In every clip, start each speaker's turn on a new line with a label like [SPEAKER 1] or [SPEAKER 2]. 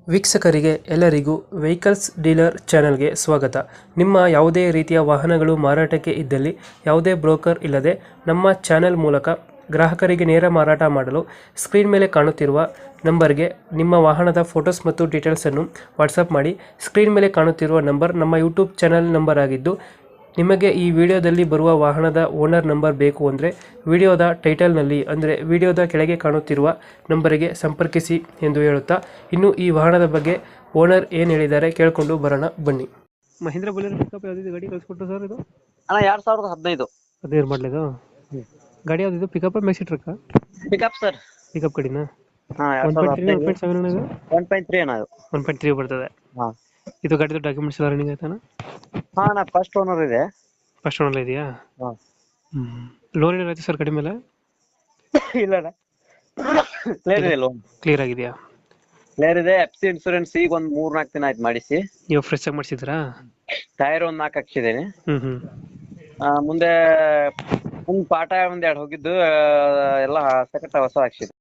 [SPEAKER 1] ವೀಕ್ಷಕರಿಗೆ ಎಲ್ಲರಿಗೂ vehicles dealer ಚಾನೆಲ್ಗೆ ಸ್ವಾಗತ. ನಿಮ್ಮ ಯಾವುದೇ ರೀತಿಯ ವಾಹನಗಳು ಮಾರಾಟಕ್ಕೆ ಇದ್ದಲ್ಲಿ ಯಾವುದೇ ಬ್ರೋಕರ್ ಇಲ್ಲದೆ ನಮ್ಮ ಚಾನೆಲ್ ಮೂಲಕ ಗ್ರಾಹಕರಿಗೆ ನೇರ ಮಾರಾಟ ಮಾಡಲು ಸ್ಕ್ರೀನ್ ಮೇಲೆ ಕಾಣುತ್ತಿರುವ ನಂಬರ್ಗೆ ನಿಮ್ಮ ವಾಹನದ ಫೋಟೋಸ್ ಮತ್ತು ಡೀಟೇಲ್ಸನ್ನು ವಾಟ್ಸಪ್ ಮಾಡಿ. ಸ್ಕ್ರೀನ್ ಮೇಲೆ ಕಾಣುತ್ತಿರುವ ನಂಬರ್ ನಮ್ಮ ಯೂಟ್ಯೂಬ್ ಚಾನೆಲ್ ನಂಬರ್ ಆಗಿದ್ದು, ನಿಮಗೆ ಈ ವಿಡಿಯೋದಲ್ಲಿ ಬರುವ ವಾಹನದ ಓನರ್ ನಂಬರ್ ಬೇಕು ಅಂದರೆ ವಿಡಿಯೋದ ಟೈಟಲ್ನಲ್ಲಿ ಅಂದರೆ ವಿಡಿಯೋದ ಕೆಳಗೆ ಕಾಣುತ್ತಿರುವ ನಂಬರಿಗೆ ಸಂಪರ್ಕಿಸಿ ಎಂದು ಹೇಳುತ್ತಾ, ಇನ್ನು ಈ ವಾಹನದ ಬಗ್ಗೆ ಓನರ್ ಏನು ಹೇಳಿದ್ದಾರೆ ಕೇಳಿಕೊಂಡು ಬರೋಣ ಬನ್ನಿ. ಮಹೇಂದ್ರ ಬುಲೆರೋ ಪಿಕಪ್ ಯಾವ್ದಿದೆ ಗಾಡಿ ಕಳಿಸ್ಕೊಟ್ಟು ಸರ್? ಇದು
[SPEAKER 2] ಅಣ್ಣ 2015
[SPEAKER 1] ಅದೇ ಮಾಡಲಿದು ಗಾಡಿ ಯಾವ್ದಿದು? Pickup maxi truck?
[SPEAKER 2] Pickup sir.
[SPEAKER 1] Pickup ಗಾಡಿನ
[SPEAKER 2] ಹಾ 2015 1.3 ಅಣ್ಣ.
[SPEAKER 1] 1.3 ಬರ್ತದೆ.
[SPEAKER 2] ಹಾ
[SPEAKER 1] ಇದು ಗಾಡಿದು ಡಾಕ್ಯುಮೆಂಟ್ಸ್ ಎಲ್ಲ ರನ್ನಿಂಗ್ ಆಯ್ತಾನ?
[SPEAKER 2] ಹಾ ಅಣ್ಣ, ಫಸ್ಟ್ ಓನರ್ ಇದೆ.
[SPEAKER 1] ಫಸ್ಟ್ ಓನರ್ ಇದೆಯಾ?
[SPEAKER 2] ಹಾ
[SPEAKER 1] ಲೋನ್ ಏನಾಯ್ತು ಸರ್ ಗಾಡಿ ಮೇಲೆ?
[SPEAKER 2] ಇಲ್ಲ ಅಣ್ಣ, ಕ್ಲಿಯರ್ ಇದೆ. ಲೋನ್
[SPEAKER 1] ಕ್ಲಿಯರ್ ಆಗಿದೆಯಾ?
[SPEAKER 2] ಕ್ಲಿಯರ್ ಇದೆ. ಎಫ್ಸಿ ಇನ್ಸೂರೆನ್ಸ್ ಈಗ ಒಂದ್ 3-4 ದಿನ ಆಯ್ತು ಮಾಡಿಸಿ.
[SPEAKER 1] ನೀವು ಫ್ರೆಶ್ ಆಗಿ ಮಾಡಿಸಿದ್ರಾ?
[SPEAKER 2] ಟೈರ್ ಒಂದ್ 4 ಹಾಕ್ಸಿದ್ದೇನೆ. ಮುಂದೆ ಪಾಠ ಒಂದ್ 2 ಹೋಗಿದ್ದು ಎಲ್ಲ ಸಕಟ ಹೊಸ ಹಾಕ್ಸಿದೆ.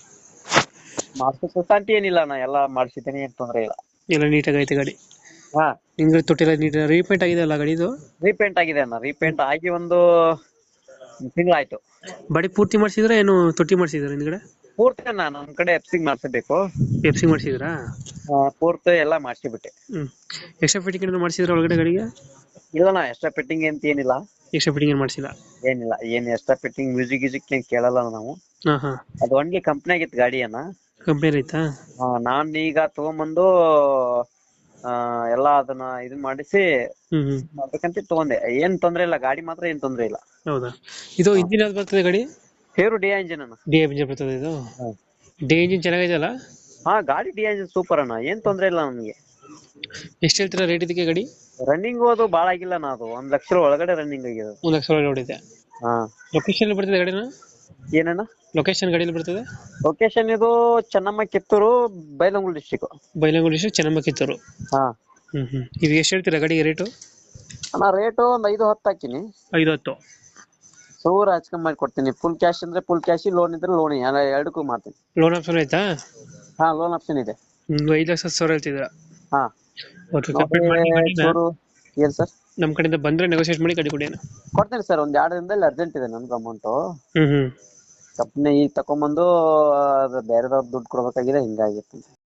[SPEAKER 2] ಮಾಡಿಸೋ ಶಾಂತಿ ಏನಿಲ್ಲ ಅಣ್ಣ, ಎಲ್ಲ ಮಾಡಿಸಿದ್ದೇನೆ, ಏನ್ ತೊಂದ್ರೆ ಇಲ್ಲ.
[SPEAKER 1] ಎಲ್ಲ ನೀಟಾಗಿ ಐತೆ ಗಾಡಿ?
[SPEAKER 2] ಹಾ,
[SPEAKER 1] ನಿಮ್ಗೆ ತೊಟ್ಟಿಲ್ಲ ನೀಟ್ ರೀಪೇಂಟ್ ಆಗಿದೆ ಅಲ್ಲ ಗಾಡಿದು?
[SPEAKER 2] ರೀಪೇಂಟ್ ಆಗಿದೆ ಅಣ್ಣ. ರೀಪೇಂಟ್ ಆಗಿ ಒಂದು ತಿಂಗಳಾಯ್ತು.
[SPEAKER 1] ಬಾಡಿ ಪೂರ್ತಿ ಮಾಡಿಸಿದ್ರೆ ಏನು ತೊಟ್ಟಿ ಮಾಡಿಸಿದ್ರೆ ಹಿಂದ್ಗಡೆ?
[SPEAKER 2] ಪೂರ್ತಿ ಅಣ್ಣ, ನಮ್ ಕಡೆ ಎಫ್ಸಿಂಗ್ ಮಾಡಿಸಬೇಕು.
[SPEAKER 1] ಎಫ್ಸಿ ಮಾಡಿಸಿದ್ರಾ?
[SPEAKER 2] ಪೂರ್ತಿ ಎಲ್ಲ ಮಾಡಿಸಿಬಿಟ್ಟೆ.
[SPEAKER 1] ಎಕ್ಸ್ಟ್ರಾ ಫಿಟ್ಟಿಂಗ್ ಏನಾದ್ರು ಮಾಡಿಸಿದ್ರೆ ಒಳಗಡೆ ಗಾಡಿಗೆ?
[SPEAKER 2] ಇಲ್ಲಣ್ಣ, ಎಕ್ಸ್ಟ್ರಾ ಫಿಟ್ಟಿಂಗ್ ಅಂತ ಏನಿಲ್ಲ.
[SPEAKER 1] ಎಕ್ಸ್ಟ್ರಾ ಫಿಟ್ಟಿಂಗ್ ಏನು ಮಾಡಿಸಿಲ್ಲ?
[SPEAKER 2] ಏನಿಲ್ಲ, ಏನ್ ಎಕ್ಸ್ಟ್ರಾ ಫಿಟ್ಟಿಂಗ್ ಮ್ಯೂಸಿಕ್ ಗೀಸಿಕ್ ಏನ್ ಕೇಳಲ್ಲ ನಾವು. ಅದು ಒನ್ಲಿ ಕಂಪ್ನಿಯಾಗಿತ್ತು ಗಾಡಿಯನ್ನ.
[SPEAKER 1] ಕಂಪ್ನಿ ಐತಾ?
[SPEAKER 2] ನಾನ್ ಈಗ ತಗೊಂಬಂದು ಎಲ್ಲ ಅದನ್ನ ಇದನ್ ಮಾಡಿಸಿ ಮಾಡ್ಬೇಕಂತ ತಗೊಂಡೆ. ಏನ್ ತೊಂದ್ರೆ ಇಲ್ಲ, ಗಾಡಿ ಮಾತ್ರ ಏನ್ ತೊಂದ್ರೆ ಇಲ್ಲ.
[SPEAKER 1] ಹೌದಾ? ಇದು ಇಂಜಿನ್ ಯಾವ್ದು ಬರ್ತದೆ ಗಾಡಿ?
[SPEAKER 2] ಹೇರು ಡಿ ಇಂಜಿನ್ ಅಣ್ಣ.
[SPEAKER 1] ಡಿ ಇಂಜಿನ್ ಬರ್ತದೆ ಇದು? ಡಿ ಇಂಜಿನ್ ಚೆನ್ನಾಗಿದೆ ಅಲ್ಲ?
[SPEAKER 2] ಹಾ, ಗಾಡಿ ಡಿ ಇಂಜಿನ್ ಸೂಪರ್ ಅಣ್ಣ, ಏನ್ ತೊಂದ್ರೆ ಇಲ್ಲ ನಮ್ಗೆ.
[SPEAKER 1] ಎಷ್ಟು ಹೇಳ್ತೀರಾ ರೇಟ್ ಇದಕ್ಕೆ ಗಾಡಿ?
[SPEAKER 2] ರನ್ನಿಂಗ್ ಅದು ಬಾಳ ಆಗಿಲ್ಲ ನಾ, ಅದು 1 ಲಕ್ಷ ಒಳಗಡೆ ರನ್ನಿಂಗ್ ಆಗಿದೆ.
[SPEAKER 1] 1 ಲಕ್ಷ ಒಳಗಡೆ ಹೊಡಿದೆ?
[SPEAKER 2] ಹಾ.
[SPEAKER 1] ಲೊಕೇಶನ್ ಬರ್ತದೆ ಗಾಡಿನ?
[SPEAKER 2] ಏನಣ್ಣ
[SPEAKER 1] ಲೊಕೇಶನ್ ಗಾಡಿಯಲ್ಲಿ ಬರ್ತದೆ?
[SPEAKER 2] ಲೊಕೇಶನ್ ಇದು ಚೆನ್ನಮ್ಮ, ಕಿತ್ತೂರು, ಬೈಲಹೊಂಗಲ ಡಿಸ್ಟಿಕ್.
[SPEAKER 1] ಬೈಲಹೊಂಗಲ ಡಿಸ್ಟ್ರಿಕ್ಟ್, ಚೆನ್ನಮ್ಮ, ಕಿತ್ತೂರು.
[SPEAKER 2] ಹಾ.
[SPEAKER 1] ಇದು ಎಷ್ಟು ಹೇಳ್ತೀರಾ ಗಾಡಿಗೆ ರೇಟು?
[SPEAKER 2] ಅಣ್ಣ ರೇಟು ಒಂದು 5-10 ಹಾಕಿನಿ.
[SPEAKER 1] 5-10
[SPEAKER 2] ಸೂರ ಹಚ್ಕೊಂಡ್ ಮಾಡಿ ಕೊಡ್ತೀನಿ. ಫುಲ್ ಕ್ಯಾಶ್ ಅಂದ್ರೆ ಫುಲ್ ಕ್ಯಾಶ್, ಲೋನ್ ಇದ್ರೆ ಲೋನ್, ಎರಡಕ್ಕೂ ಮಾಡ್ತೀನಿ.
[SPEAKER 1] ಲೋನ್ ಆಪ್ಷನ್ ಆಯ್ತಾ?
[SPEAKER 2] ಹಾ, ಲೋನ್ ಆಪ್ಷನ್ ಇದೆ.
[SPEAKER 1] 5,10,000 ಹೇಳ್ತಿದ್ದೀರಾ?
[SPEAKER 2] ಹಾ. ಏನ್ ಸರ್,
[SPEAKER 1] ನಮ್ ಕಡೆಯಿಂದ ಬಂದ್ರೆ ನೆಗೋಸಿಯೇಟ್ ಮಾಡಿ ಗಾಡಿ ಕೊಡಿ.
[SPEAKER 2] ಕೊಡ್ತೀನಿ ಸರ್, ಒಂದ್ 2 ದಿನದಲ್ಲಿ ಅರ್ಜೆಂಟ್ ಇದೆ ನನ್ಗೆ ಅಮೌಂಟ್. ಕಂಪ್ನಿ ಈಗ ತಕೊಂಬಂದು ಬೇರೆದವ್ರ ದುಡ್ಡು ಕೊಡ್ಬೇಕಾಗಿದೆ, ಹಿಂಗಾಗಿತ್ತು.